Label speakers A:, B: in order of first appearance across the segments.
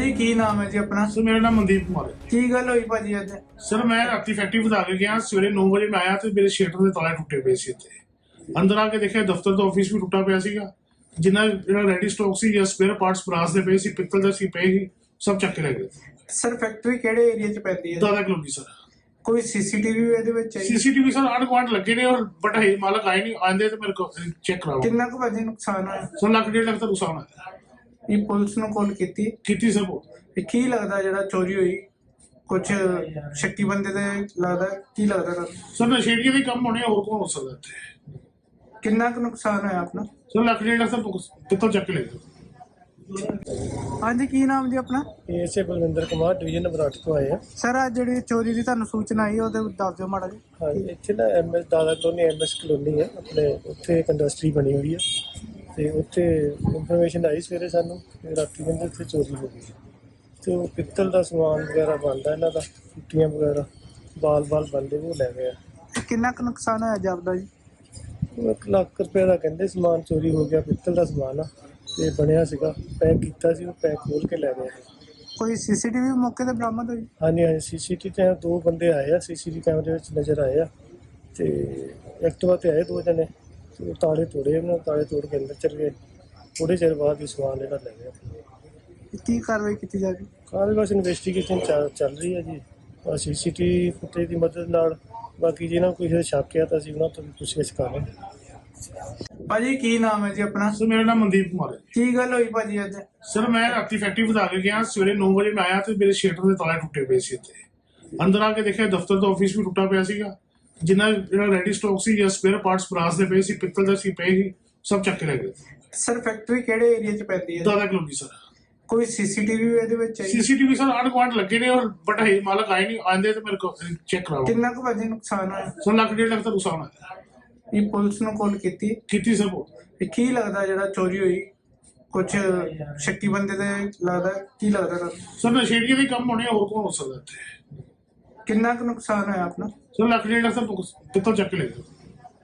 A: ਭਾਜੀ ਕੀ ਨਾਮ ਹੈ ਜੀ ਆਪਣਾ?
B: सर मेरा नाम मनदीप कुमार है।
A: ਕੀ ਗੱਲ ਹੋਈ ਭਾਜੀ ਅੱਜ?
B: सर मैं राती फैक्ट्री बता के गया, सवेरे 9 ਵਜੇ मैं आया तो मेरे ਸ਼ਟਰ ਦੇ ਤਾਲੇ ਟੁੱਟੇ ਪਏ ਸੀ ਇੱਥੇ। ਅੰਦਰ ਆ ਕੇ ਦੇਖਿਆ ਦਫ਼ਤਰ ਦਾ ਆਫਿਸ ਵੀ ਟੁੱਟਾ ਪਿਆ ਸੀਗਾ। ਜਿੰਨਾ ਜਿਹੜਾ ਰੈਡੀ ਸਟਾਕ ਸੀ ਜਾਂ ਸਪੇਅਰ ਪਾਰਟਸ ਬਰਾਸ ਦੇ ਪਏ ਸੀ, ਪਿੱਤਲ ਦੇ ਸੀ ਪਏ ਸੀ, ਸਭ ਚੱਕ ਕੇ ਲੈ ਗਏ।
A: ਸਰ ਫੈਕਟਰੀ ਕਿਹੜੇ ਏਰੀਆ 'ਚ ਪੈਂਦੀ ਹੈ?
B: ਦਾਦਾ ਕਲੋਨੀ ਸਰ।
A: ਕੋਈ ਸੀਸੀਟੀਵੀ ਇਹਦੇ ਵਿੱਚ ਹੈ?
B: सीसीटीवी सर आंढ गुआंढ लगे ने और बट है मालक आए नहीं, आंदे तो मेरे को चेक कराओ।
A: ਕਿੰਨਾ ਕੁ ਭਾਜੀ ਨੁਕਸਾਨ ਹੋਇਆ?
B: सर लाख 1.5 लाख का नुकसान है।
A: ਇਹ ਪੁਲਿਸ ਨੂੰ ਕਾਲ ਕੀਤੀ?
B: ਕੀਤੀ ਸਰ वो
A: ਇਹ ਕੀ ਲੱਗਦਾ ਜਿਹੜਾ ਚੋਰੀ ਹੋਈ ਕੁਝ ਸ਼ੱਕੀ ਬੰਦੇ ਦੇ ਲੱਗਦਾ? ਕੀ ਲੱਗਦਾ ਤੁਹਾਨੂੰ?
B: सर नशेड़ियों के कम होने और कौन हो सकता है।
A: ਕਿੰਨਾ ਕੁ ਨੁਕਸਾਨ ਹੋਇਆ ਆਪਣਾ?
B: सर लाख 1.5 लाख का पित्तल चक के ले गए।
A: ਹਾਂਜੀ ਕੀ ਨਾਮ ਜੀ ਆਪਣਾ?
C: ਇਸੇ ਬਲਵਿੰਦਰ ਕੁਮਾਰ ਡਿਵੀਜ਼ਨ ਨੰਬਰ 8 ਤੋਂ ਆਏ ਆ।
A: ਸਰ ਅੱਜ ਜਿਹੜੀ ਚੋਰੀ ਦੀ ਤੁਹਾਨੂੰ ਸੂਚਨਾ ਆਈ ਉਹਦੇ ਦੱਸ ਦਿਓ ਮਾੜਾ ਜੀ।
C: ਹਾਂਜੀ, ਇੱਥੇ ਨਾ ਐਮਐਸ ਦਾਦਾ ਕਲੋਨੀ ਐਮਐਸ ਕਲੋਨੀ ਹੈ ਆਪਣੇ, ਉੱਥੇ ਇੱਕ ਇੰਡਸਟਰੀ ਬਣੀ ਹੋਈ ਹੈ ਤੇ ਉੱਥੇ ਇਨਫੋਰਮੇਸ਼ਨ ਆਈ ਸਵੇਰੇ ਸਾਨੂੰ ਕਿ ਰਾਤੀ ਕਹਿੰਦੇ ਉੱਥੇ ਚੋਰੀ ਹੋ ਗਈ ਤੇ ਉਹ ਪਿੱਤਲ ਦਾ ਸਮਾਨ ਵਗੈਰਾ ਬਣਦਾ ਇਹਨਾਂ ਦਾ, ਟੁੱਟੀਆਂ ਵਗੈਰਾ ਬਾਲ ਬਣਦੇ ਉਹ ਲੈ ਗਏ ਆ।
A: ਕਿੰਨਾ ਕੁ ਨੁਕਸਾਨ ਹੋਇਆ ਜਾਪਦਾ ਜੀ?
C: ਉਹ 1 ਲੱਖ ਰੁਪਏ ਦਾ ਕਹਿੰਦੇ ਸਮਾਨ ਚੋਰੀ ਹੋ ਗਿਆ, ਪਿੱਤਲ ਦਾ ਸਮਾਨ ਆ ਤੇ ਬਣਿਆ ਸੀਗਾ, ਪੈਕ ਕੀਤਾ ਸੀ, ਉਹ ਪੈਕ ਖੋਲ ਕੇ ਲੈ ਗਏ।
A: ਕੋਈ ਸੀਸੀਟੀਵੀ ਮੌਕੇ ਤੇ ਬਰਾਮਦ ਹੋਈ?
C: ਹਾਂਜੀ ਸੀਸੀਟੀਵੀ ਤੇ 2 ਬੰਦੇ ਆਏ ਆ, ਸੀਸੀਟੀਵੀ ਕੈਮਰੇ ਵਿੱਚ ਨਜ਼ਰ ਆਏ ਆ ਤੇ ਐਕਟਿਵਾ ਤੇ ਆਏ 2 ਜਣੇ ਤੇ ਉਹ ਤਾਲੇ ਤੋੜੇ, ਉਹਨਾਂ ਤਾਲੇ ਤੋੜ ਕੇ ਅੰਦਰ ਚਲੇ ਗਏ। ਥੋੜੇ ਚਿਰ ਬਾਅਦ ਹੀ ਸਮਾਨ ਜਿਹੜਾ ਲੈ ਗਏ।
A: ਕੀ ਕਾਰਵਾਈ ਕੀਤੀ ਜਾਵੇ?
C: ਕਾਹਦੇ ਬਸ ਇਨਵੈਸਟੀਗੇਸ਼ਨ ਚੱਲ ਰਹੀ ਹੈ ਜੀ, ਸੀਸੀਟੀਵੀ ਫੁਟੇਜ ਦੀ ਮਦਦ ਨਾਲ। ਬਾਕੀ ਜਿਹਨਾਂ ਕੋਈ ਕਿਸੇ ਸ਼ੱਕ ਆ ਤਾਂ ਅਸੀਂ ਉਹਨਾਂ ਤੋਂ ਵੀ ਪੁੱਛਗਿੱਛ ਕਰ ਰਹੇ ਹਾਂ।
A: ਭਾਜੀ ਕੀ ਨਾਮ ਹੈ ਜੀ ਆਪਣਾ?
B: सर मेरा नाम मनदीप कुमार है।
A: ਕੀ ਗੱਲ ਹੋਈ ਭਾਜੀ ਅੱਜ?
B: ਸਰ ਮੈਂ ਰਾਤੀ ਫੈਕਟਰੀ ਬਤਾ ਕੇ ਗਿਆ, ਸਵੇਰੇ 9 ਵਜੇ ਮੈਂ ਆਇਆ ਤੇ ਮੇਰੇ ਸ਼ਟਰ ਦੇ ਤਾਲੇ ਟੁੱਟੇ ਪਏ ਸੀ ਇੱਥੇ। ਅੰਦਰ ਆ ਕੇ ਦੇਖਿਆ ਦਫ਼ਤਰ ਦਾ ਆਫਿਸ ਵੀ ਟੁੱਟਾ ਪਿਆ ਸੀਗਾ। ਜਿੰਨਾ ਜਿਹੜਾ ਰੈਡੀ ਸਟਾਕ ਸੀ ਜਾਂ ਸਪੇਅਰ ਪਾਰਟਸ ਬਰਾਸ ਦੇ ਪਏ ਸੀ, ਪਿੱਤਲ ਦੇ ਸੀ ਪਏ ਸੀ, ਸਭ ਚੱਕ ਕੇ ਲੈ ਗਏ।
A: ਸਰ ਫੈਕਟਰੀ ਕਿਹੜੇ ਏਰੀਆ 'ਚ ਪੈਂਦੀ ਹੈ?
B: ਦਾਦਾ ਕਲੋਨੀ ਸਰ।
A: ਕੋਈ ਸੀਸੀਟੀਵੀ ਇਹਦੇ ਵਿੱਚ ਹੈ?
B: सीसीटीवी सर आंढ गुआंढ लगे ने और बट है मालक आए नहीं, आंदे तो मेरे को चेक कराओ।
A: ਕਿੰਨਾ ਕੁ ਭਾਜੀ ਨੁਕਸਾਨ ਹੋਇਆ?
B: सर लाख 1.5 लाख का नुकसान है।
A: ਇਹ ਪੁਲਿਸ ਨੂੰ ਕਾਲ ਕੀਤੀ?
B: ਕੀਤੀ ਸਰ वो
A: ਇਹ ਕੀ ਲੱਗਦਾ ਜਿਹੜਾ ਚੋਰੀ ਹੋਈ ਕੁਝ ਸ਼ੱਕੀ ਬੰਦੇ ਦੇ ਲੱਗਦਾ? ਕੀ ਲੱਗਦਾ ਤੁਹਾਨੂੰ?
B: सर नशेड़ियों के कम होने और कौन हो सकता है।
A: ਕਿੰਨਾ ਕੁ ਨੁਕਸਾਨ ਹੋਇਆ ਆਪਣਾ?
B: सर लाख 1.5 लाख का पित्तल चक के ले गए।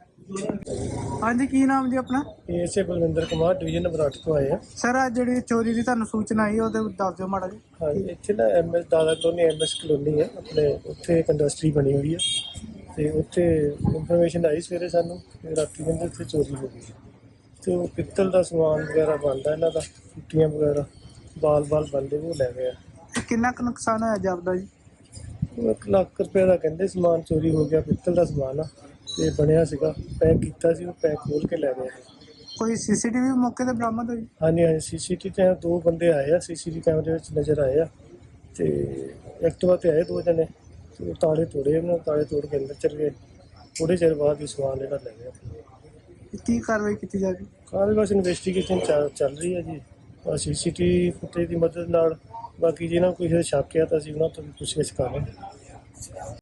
A: ਹਾਂਜੀ ਕੀ ਨਾਮ ਜੀ ਆਪਣਾ?
C: ਇਸੇ ਬਲਵਿੰਦਰ ਕੁਮਾਰ ਡਿਵੀਜ਼ਨ ਨੰਬਰ 8 ਤੋਂ ਆਏ ਆ।
A: ਸਰ ਅੱਜ ਜਿਹੜੀ ਚੋਰੀ ਦੀ ਤੁਹਾਨੂੰ ਸੂਚਨਾ ਆਈ ਉਹਦੇ ਦੱਸ ਦਿਓ ਮਾੜਾ ਜੀ।
C: ਹਾਂਜੀ, ਇੱਥੇ ਨਾ ਐਮਐਸ ਦਾਦਾ ਕਲੋਨੀ ਐਮਐਸ ਕਲੋਨੀ ਹੈ ਆਪਣੇ, ਉੱਥੇ ਇੱਕ ਇੰਡਸਟਰੀ ਬਣੀ ਹੋਈ ਹੈ ਤੇ ਉੱਥੇ ਇਨਫੋਰਮੇਸ਼ਨ ਆਈ ਸਵੇਰੇ ਸਾਨੂੰ ਕਿ ਰਾਤੀ ਕਹਿੰਦੇ ਉੱਥੇ ਚੋਰੀ ਹੋ ਗਈ ਤੇ ਉਹ ਪਿੱਤਲ ਦਾ ਸਮਾਨ ਵਗੈਰਾ ਬਣਦਾ ਇਹਨਾਂ ਦਾ, ਟੁੱਟੀਆਂ ਵਗੈਰਾ ਬਾਲ ਬਣਦੇ ਉਹ ਲੈ ਗਏ ਆ।
A: ਕਿੰਨਾ ਕੁ ਨੁਕਸਾਨ ਹੋਇਆ ਜਾਪਦਾ ਜੀ?
C: ਉਹ 1 ਲੱਖ ਰੁਪਏ ਦਾ ਕਹਿੰਦੇ ਸਮਾਨ ਚੋਰੀ ਹੋ ਗਿਆ, ਪਿੱਤਲ ਦਾ ਸਮਾਨ ਆ ਤੇ ਬਣਿਆ ਸੀਗਾ, ਪੈਕ ਕੀਤਾ ਸੀ, ਉਹ ਪੈਕ ਖੋਲ ਕੇ ਲੈ ਗਏ।
A: ਕੋਈ ਸੀਸੀਟੀਵੀ ਮੌਕੇ ਤੇ ਬਰਾਮਦ ਹੋਈ?
C: ਹਾਂਜੀ ਸੀਸੀਟੀਵੀ ਤੇ 2 ਬੰਦੇ ਆਏ ਆ, ਸੀਸੀਟੀਵੀ ਕੈਮਰੇ ਵਿੱਚ ਨਜ਼ਰ ਆਏ ਆ ਤੇ ਐਕਟਿਵਾ ਤੇ ਆਏ 2 ਜਣੇ ਤੇ ਉਹ ਤਾਲੇ ਤੋੜੇ, ਉਹਨਾਂ ਤਾਲੇ ਤੋੜ ਕੇ ਅੰਦਰ ਚਲੇ ਗਏ। ਥੋੜੇ ਚਿਰ ਬਾਅਦ ਹੀ ਸਮਾਨ ਜਿਹੜਾ ਲੈ ਗਏ।
A: ਕੀ ਕਾਰਵਾਈ ਕੀਤੀ ਜਾਵੇ?
C: ਕਾਹਦੇ ਬਸ ਇਨਵੈਸਟੀਗੇਸ਼ਨ ਚੱਲ ਰਹੀ ਹੈ ਜੀ, ਸੀਸੀਟੀਵੀ ਫੁਟੇਜ ਦੀ ਮਦਦ ਨਾਲ। ਬਾਕੀ ਜਿਹਨਾਂ ਕੋਈ ਕਿਸੇ ਸ਼ੱਕ ਆ ਤਾਂ ਅਸੀਂ ਉਹਨਾਂ ਤੋਂ ਵੀ ਪੁੱਛਗਿੱਛ ਕਰ ਰਹੇ ਹਾਂ।